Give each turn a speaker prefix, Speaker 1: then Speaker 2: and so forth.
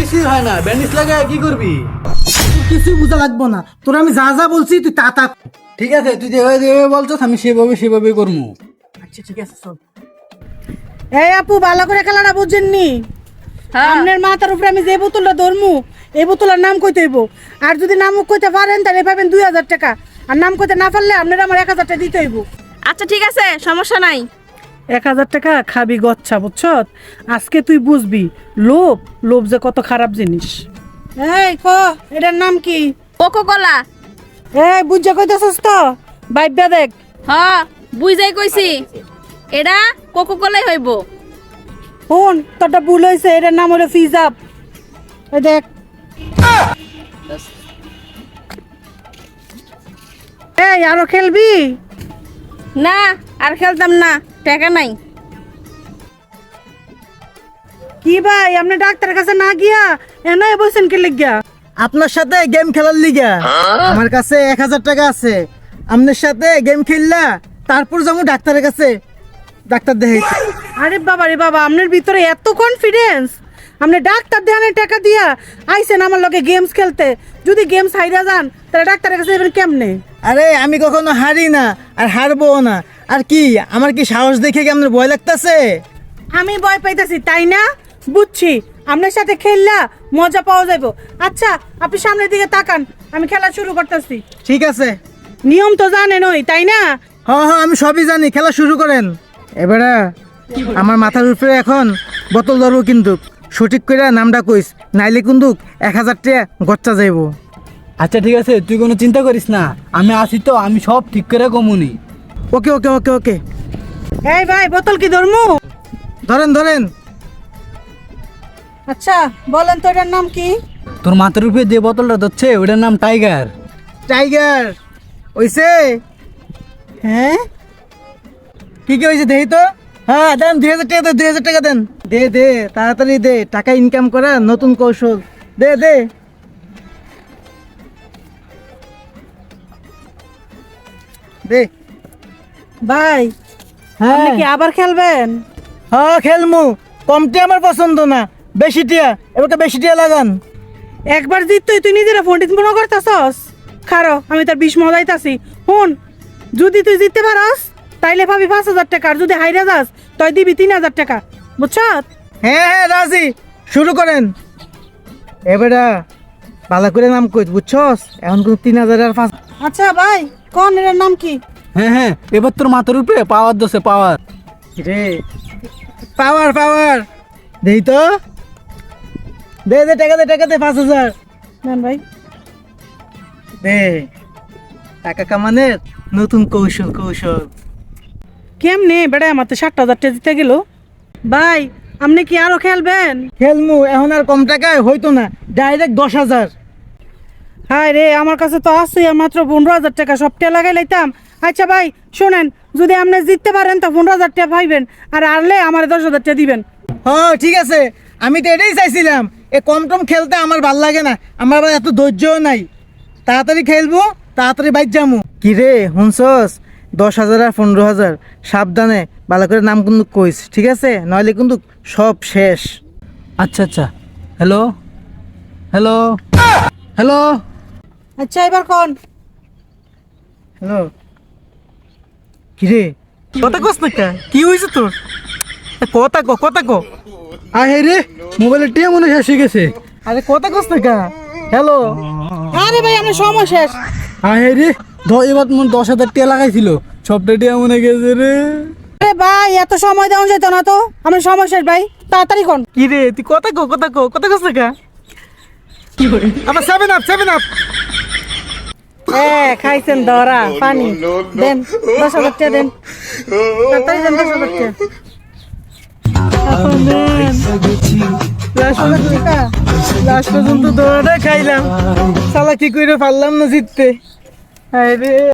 Speaker 1: কিছুই হয় না, ব্যান্ডেজ লাগায় কি করবি?
Speaker 2: কিছু বোঝা লাগবো না, তোর আমি যা যা বলছি তুই তা তা।
Speaker 1: ঠিক আছে, তুই যেভাবে যেভাবে বলছিস আমি সেভাবে করবো।
Speaker 2: আচ্ছা ঠিক আছে চল। এই আপু ভালো করে খেলাটা বুঝছেননি? আপনার মাথার উপরে আমি যে বোতলটা ধরমু এই বোতলের নাম কইতে হইব। আর যদি নাম কইতে পারেন তাহলে পাবেন 2000 টাকা, আর নাম কইতে না পারলে আপনার আমার 1000 টাকা দিতে হইব।
Speaker 3: আচ্ছা ঠিক আছে, সমস্যা নাই।
Speaker 2: 1000 টাকা খাবি গচ্ছা, বুঝছ? আজকে তুই বুঝবি লোভ যে কত খারাপ জিনিস। এই এটার নাম কি?
Speaker 3: Coca Cola.
Speaker 2: এই বুঝা কইতেছস তো? বাইব্যা দেখ।
Speaker 3: হ্যাঁ বুঝাই কইছি, এটা কোকো কোলাই হইব।
Speaker 2: শোন, তোরটা ভুল হয়েছে, এটার নাম হলো ফিজাব। এই দেখ। এই আরো খেলবি?
Speaker 3: না আর খেলতাম না, টাকা নাই।
Speaker 2: কি ভাই, আপনি ডাক্তারের কাছে না গিয়া এনে বসেন কে লিগা?
Speaker 4: আপনার সাথে গেম খেলার লিগা আমার কাছে 1000 টাকা আছে। আপনার সাথে গেম খেললা তারপর যাবো ডাক্তারের কাছে, ডাক্তার দেখাইতে।
Speaker 2: আরে বাবা রে বাবা, আপনার ভিতরে এত কনফিডেন্স! আপনি ডাক্তার দেখানোর টাকা দিয়া আইছেন আমার লগে গেমস খেলতে। যদি গেমস হাইরা যান তাহলে ডাক্তারের কাছে যাবেন কেমনে?
Speaker 4: আরে আমি কখনো হারি না আর হারবো না। আর কি আমার কি সাহস দেখে কি আপনার ভয় লাগতেছে?
Speaker 2: আমি ভয় পাইতেছি তাই না? বুঝছি, আপনার সাথে খেললা মজা পাওয়া যাইব। আচ্ছা আপনি সামনের দিকে তাকান, আমি খেলা শুরু করতেছি।
Speaker 4: ঠিক আছে।
Speaker 2: নিয়ম তো জানেন ওই তাই না?
Speaker 4: হ্যাঁ হ্যাঁ আমি সবই জানি, খেলা শুরু করেন। এবারে আমার মাথার উপরে এখন বোতল ধরবো, কিন্তু সঠিক করে নামটা কইস, নাইলে কিন্তু 1000 টাকা গচ্চা যাইব।
Speaker 1: আচ্ছা ঠিক আছে, তুই কোনো চিন্তা করিস না, আমি আছি তো, আমি সব ঠিক করে কমুনি।
Speaker 4: ওকে ওকে ওকে ওকে।
Speaker 2: এই ভাই, বোতল কি ধরমু?
Speaker 4: ধরেন ধরেন।
Speaker 2: আচ্ছা বলেন তো এটার নাম কি?
Speaker 1: তোর মাথার উপরে যে বোতলটা ধরছে ওটার নাম টাইগার।
Speaker 4: টাইগার ওইছে?
Speaker 2: হ্যাঁ
Speaker 4: কি কি হয়েছে দেখি তো। হ্যাঁ দেন 2000 টাকা, 2000 টাকা দেন। দে দে তাড়াতাড়ি দে, টাকা ইনকাম করা নতুন কৌশল। দে দে। দে।
Speaker 2: ভাই, আপনি
Speaker 4: হ্যাঁ
Speaker 2: কি আবার খেলবেন?
Speaker 4: হ্যাঁ খেলমু। কমটি আমার পছন্দ না, বেশি টিয়া, এবারটা বেশি টিয়া লাগান।
Speaker 2: একবার জিততই তুই নিজেরা ফোনটি মনে করতেছস? খারো আমি তার 20 মজাইতাছি। শুন, যদি তুই জিততে পারস তাইলে পাবি 5000 টাকা, আর যদি হাইরা যাস তাই দিবি 3000 টাকা, বুঝছ?
Speaker 4: হ্যাঁ হ্যাঁ রাজি, শুরু করেন। এবারে ভালো করে নাম কই, বুঝছস? এখন কোন 3000 আর 5।
Speaker 2: আচ্ছা ভাই, কোন এর নাম কি?
Speaker 1: হ্যাঁ হ্যাঁ, এবার তোর মাথার উপরে পাওয়ার দোষে পাওয়ার।
Speaker 4: রে পাওয়ার পাওয়ার দেই তো। দে দে টাকা দে, টাকা দে 5000
Speaker 2: নেন ভাই।
Speaker 4: দে। টাকা কামানের নতুন কৌশল কৌশল।
Speaker 2: কেমনে বেড়া আমার তো 60,000 টাকা দিতে গেল। ভাই আপনি কি আরো খেলবেন?
Speaker 4: খেলমু, এখন আর কম টাকায় হইতো না, ডাইরেক্ট 10,000।
Speaker 2: হায় রে, আমার কাছে তো আছে মাত্র 15,000 টাকা, সবটা লাগাই লাইতাম। আচ্ছা ভাই শোনেন, যদি আপনি জিততে পারেন তো 15,000 টাকা পাইবেন, আর হারলে আমার 10,000 টাকা দিবেন।
Speaker 4: হ্যাঁ ঠিক আছে, আমি তো এটাই চাইছিলাম। এ কম টম খেলতে আমার ভাল লাগে না, আমার আবার এত ধৈর্যও নাই। তাড়াতাড়ি খেলবো, তাড়াতাড়ি বাইক যামু। কি রে হুনছস? 10,000 আর 15,000, সাবধানে ভালো করে নাম কিন্তু কইস, ঠিক আছে? নইলে কিন্তু সব শেষ।
Speaker 1: আচ্ছা আচ্ছা, হ্যালো হ্যালো হ্যালো।
Speaker 2: আচ্ছা এবার কোন?
Speaker 4: হ্যালো। কি রে কথা কস না কা? কি হয়েছে তোর? কথা কো, কথা কো।
Speaker 1: আরে রে, মোবাইলের টিয়া মনে শেষ হয়ে গেছে।
Speaker 4: আরে কথা কস না কা? হ্যালো।
Speaker 2: আরে ভাই আমার সময় শেষ।
Speaker 1: আরে রে, এবার মনে 10,000 টিয়া লাগাইছিল, সবটা টিয়া মনে গেছে রে।
Speaker 2: আরে ভাই এত সময় দেওয়া যেত না তো, আমার সময় শেষ ভাই, তাড়াতাড়ি কোন।
Speaker 4: কি রে তুই কথা কো, কথা কো, কথা কস না কা? কি করে আবার 7 আপ 7 আপ।
Speaker 2: খাইছেন ধরা পানি। দেন 10,000 টাকা দেন, তাড়াতাড়ি দেন 10,000 টাকা।
Speaker 4: লাস্ট পর্যন্ত দৌড়াটা খাইলাম, শালা কি করে পারলাম না জিততে। হায় রে।